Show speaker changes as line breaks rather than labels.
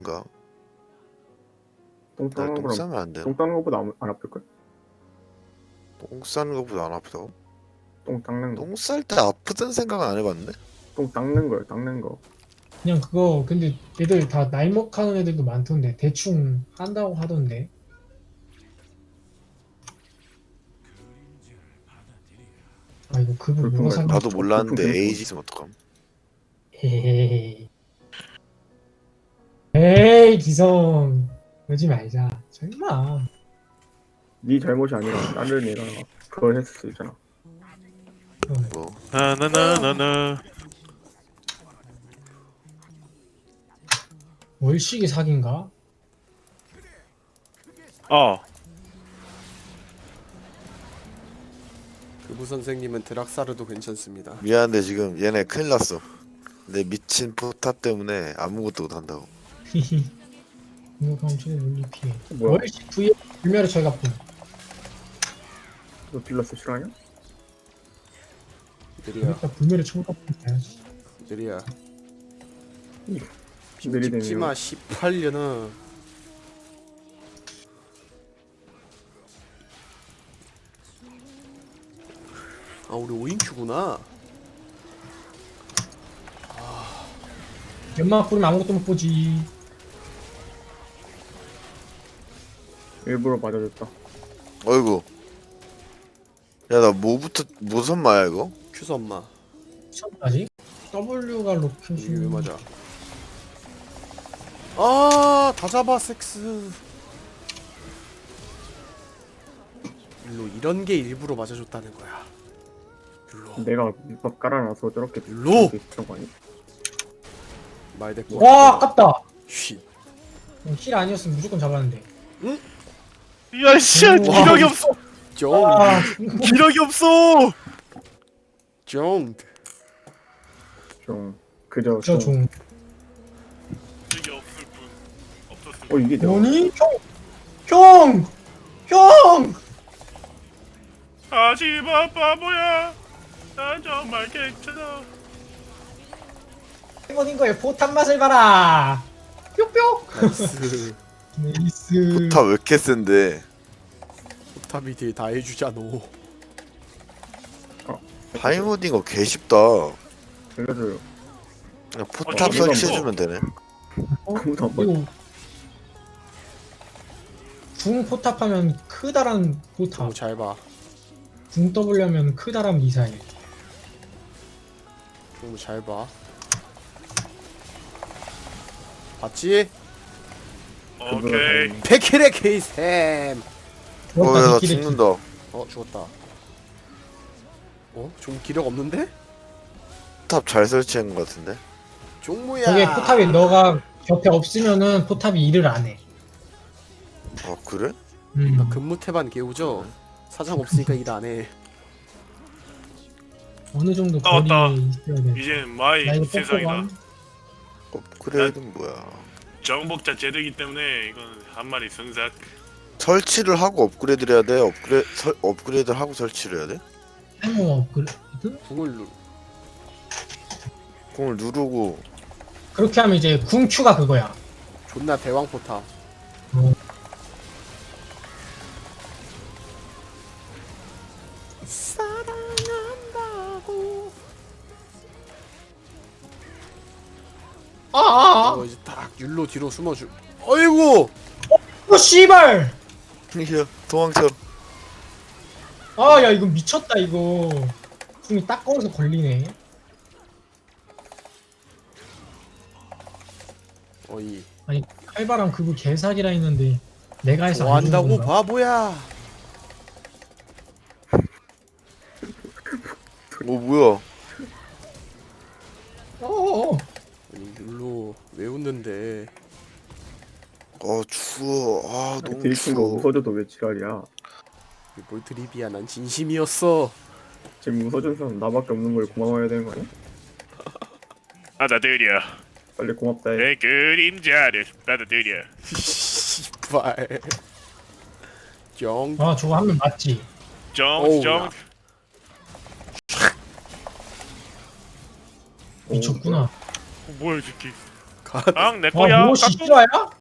똥
나
따는
똥
거랑
싸면 안 되나?
똥 따는 거보다 안 아플걸?
똥 싸는 것보다 안 아프다고?
똥 닦는 거.
똥 쌀 때 아프다는 생각은 안 해봤는데?
똥 닦는 거야, 닦는 거.
그냥 그거 근데 애들 다 나이 먹하는 애들도 많던데 대충 한다고 하던데. 아 이거 그분
불편
뭐가
갈-
상
나도 몰랐는데
불편
에이지 있으면 어떡함?
에이 에이 기성 그러지 말자 설마.
네 잘못이 아니라 다른 애가 그걸 했을 수 있잖아.
뭐
나나나나나.
월식이 사기인가?
그부 선생님은 드락사르도 괜찮습니다.
미안한데 지금 얘네 큰일 났어. 내 미친 포탑 때문에 아무것도 못한다고.
이거 그럼 저거 물리 피해.
뭐야?
월식 V에 불멸의 철갑품.
너 딜러스 싫어하냐?
느리야,
그러니까 불멸의 철갑품 봐야지.
느리야.
느리대며.
찍지마 18년은. 아 우리 5인큐구나.
연막 뿌리면 아무것도 못 보지.
일부러 맞아줬다.
어이구. 야 나 뭐부터 무슨 마야 이거?
큐서 엄마.
처음까지? W가 로켓이
이게 왜 맞아? 아, 다 잡아 섹스. 일로 이런 게 일부러 맞아줬다는 거야. 일로.
내가 밑밥 깔아놔서 저렇게
일로!
그런 거 아니야?
말 대꾸.
와 아깝다.
쉿.
힐 아니었으면 무조건 잡았는데.
야 씨,
와.
기력이 없어.
쫑.
아
기력이 없어.
쫑.
좀 그저
저 종.
기력이 없을 뿐. 없었을 뿐.
이게 내가
뭐니? 형! 형!
하지마 바보야. 난 정말 괜찮아.
행운인 거에 포탄 맛을 봐라. 뿅뿅.
나이스.
네이스.
포탑 왜 이렇게 센데?
포탑이 딜 다 해주자 너.
파이모딩 거 개쉽다.
알려줘요.
그냥 포탑
이거
설치해주면 되네.
아무도 안 봐.
이거 궁 포탑하면 크다란 포탑.
너무 잘 봐.
궁 W 하면 크다란 미사일.
너무 잘 봐. 봤지?
오케이.
100킬의 케이샘.
어야 나
디키레키.
죽는다.
어 죽었다. 어? 좀 기력 없는데?
포탑 잘 설치한 것 같은데?
종무야.
저게 포탑이 너가 곁에 없으면은 포탑이 일을 안 해.
아 그래?
근무 태반 개우죠? 사장 없으니까 일 안 해.
어느 정도
왔다.
거리에 있어야 돼.
이제 마이
나 이거
세상이다.
뽑고
업그레이드는 뭐야?
정복자 제도이기 때문에 이건 한 마리 승삭.
설치를 하고 업그레이드를 해야 돼? 업그레이드를 하고 설치를 해야 돼?
해모 업그레이드?
궁을 누.
공을 누르고
그렇게 하면 이제 궁 Q가 그거야.
존나 대왕 포탑. 사랑한다고.
아아아.
이제 딱 율로 뒤로 숨어줄. 어이구.
어 씨발.
이야 도망쳐.
아 야 이거 미쳤다 이거. 궁이 딱 거기서 걸리네.
어이.
아니 칼바람 그거 개사기라 했는데 내가 해서 안
좋아한다고
주는 건가?
바보야.
뭐야?
어어어.
아니 율로 왜 웃는데?
추워. 너무
딜친 거
추워.
웃어줘도 왜 지랄이야?
이게 뭘 드립이야? 난 진심이었어.
지금 웃어준 사람 나밖에 없는 걸 고마워해야 되는 거 아니야?
받아들여.
빨리 고맙다 해.
내 그림자를 받아들여.
씨발. 정.
아 저거 하면 맞지.
어우,
정.
야.
미쳤구나.
뭐야 이 새끼. 앙 내
아
거야.
무엇이 실화야?